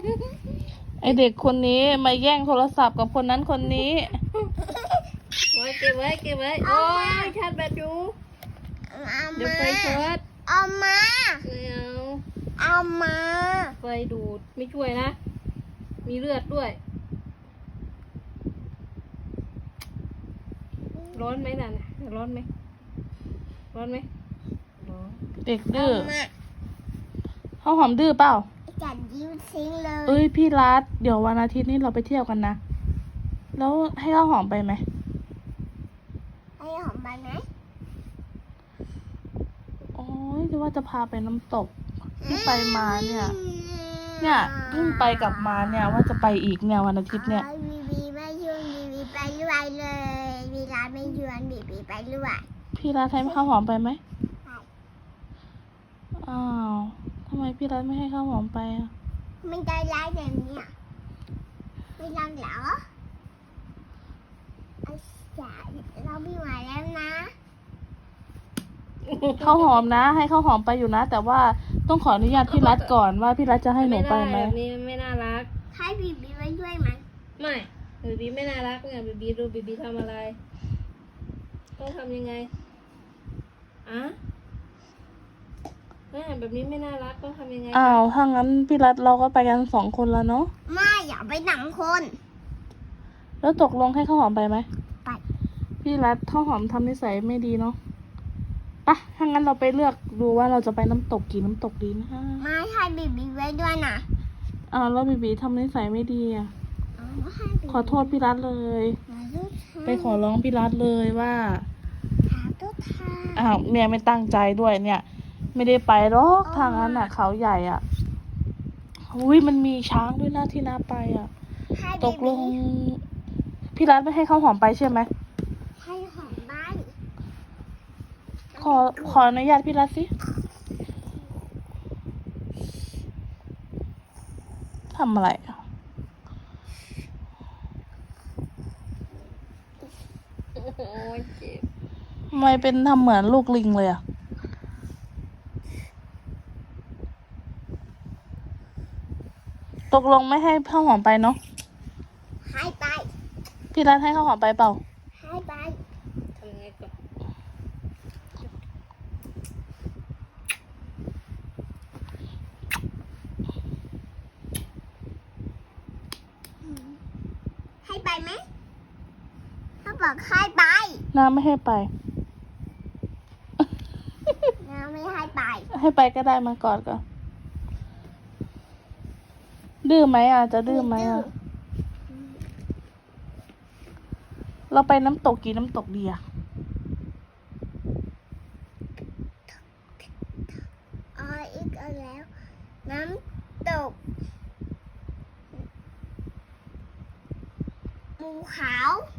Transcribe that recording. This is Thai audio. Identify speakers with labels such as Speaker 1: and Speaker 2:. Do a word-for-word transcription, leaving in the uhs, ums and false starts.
Speaker 1: ไอเด็กคนนี้มาแย่งโทรศัพท์กับคนนั้นคนนี้
Speaker 2: ไว้เก็บไว้เก็บไว้โอ้ยชาร์จแบตอยู่เดี๋ยวไฟช็อต
Speaker 3: เอามา
Speaker 2: ไม่เอา
Speaker 3: เอามา
Speaker 2: ไฟดูดไม่ช่วยนะมีเลือดด้วยร้อนไหมน่ะร้อนไหมร้อนไหมร้อน
Speaker 1: เด็กดื้อข้าวหอมดื้อเปล่า
Speaker 3: จัดยิ้มทิ้งเลย
Speaker 1: เอ้ยพี่รัฐเดี๋ยววันอาทิตย์นี้เราไปเที่ยวกันนะแล้วให้ข้าวหอมไปไหม
Speaker 3: ให้หอมไปไหม
Speaker 1: โอ้ยจะว่าจะพาไปน้ำตกที่ไปมาเนี่ยเนี่ยเพิ่งไปกลับมาเนี่ยว่าจะไปอีกเนี่ยวันอาทิตย์เนี่ย
Speaker 3: บีบีไม่ชวนบีบีไปด้วยเลยบีรัฐไม่ชวนบีบีไปด้วย
Speaker 1: พี่รัฐให้ข้าวหอมไปไหมอ้าวทำไมพี่รัฐไม่ให้ข้าวหอมไปอ่ะ
Speaker 3: ไม่ได้ร้ายแบบนี้ไม่รักเหรอไอ้จ๋าเราไม่ไหวแล้วนะ
Speaker 1: ข้าวหอมนะให้ข้าวหอมไปอยู่นะแต่ว่าต้องขออนุญาตพี่รัฐก่อนว่าพี่รัฐจะให้หนูไปไหม
Speaker 2: แบบนี้ไม่น่ารัก
Speaker 3: ให้บีบีไปด้วยไหม
Speaker 2: ไม่บีบีไม่น่ารักเนี่ยบีบีดูบีบีทำอะไรต้องทำยังไงอะแม่แบบนี้ไม่น่ารักต้องทำยังไง
Speaker 1: อ้าวถ้างั้นพี่รัฐเราก็ไปกันสองคนแล้วเนาะ
Speaker 3: ไม่อย่าไปหนังคน
Speaker 1: แล้วตกลงให้ข้าวหอมไปไหม
Speaker 3: ไป
Speaker 1: พี่รัฐข้าวหอมทำนิสัยไม่ดีเนาะปะถ้างั้นเราไปเลือกดูว่าเราจะไปน้ำตกกี่น้ำตกดีนะ
Speaker 3: ไม่ให้บีบีไว้ด้วยนะ
Speaker 1: อ้าวแล้วบีบีทำนิสัยไม่ดีอ่ะขอโทษพี่รัฐเลยไปขอร้องพี่รัฐเลยว่าอ้าวเนี่ยไม่ตั้งใจด้วยเนี่ยไม่ได้ไปหรอกทางนั้นอ่ะเขาใหญ่อ่ะอุ้ยมันมีช้างด้วยนะที่น่าไปอ่ะตกลงพี่รัฐไม่ให้ข้าวหอมไปใช่ไหม
Speaker 3: ให้หอมบ้าน
Speaker 1: ขอขออนุญาตพี่รัฐสิทำอะไรอ่ะทำไมเป็นทำเหมือนลูกลิงเลยอ่ะตกลงไม่ให้ข้าวหอมไปเนาะ
Speaker 3: ให้ไป
Speaker 1: พี่รัฐให้ข้าวหอมไปเปล่า
Speaker 3: ให้ไป
Speaker 2: ทำยังไงก่อน
Speaker 3: ให้ไปไหมถ้าบอกให้ไป
Speaker 1: น้าไม่ให้ไป
Speaker 3: น้าไม่ให้ไป
Speaker 1: ให้ไปก็ได้มาก่อนก่อนดื้อไหมอ่ะจะดื้อไหมอ่ะเราไปน้ำตกกี่น้ำตกดีอ่ะ
Speaker 3: อ๋ออีกแล้วน้ำตกภูเขา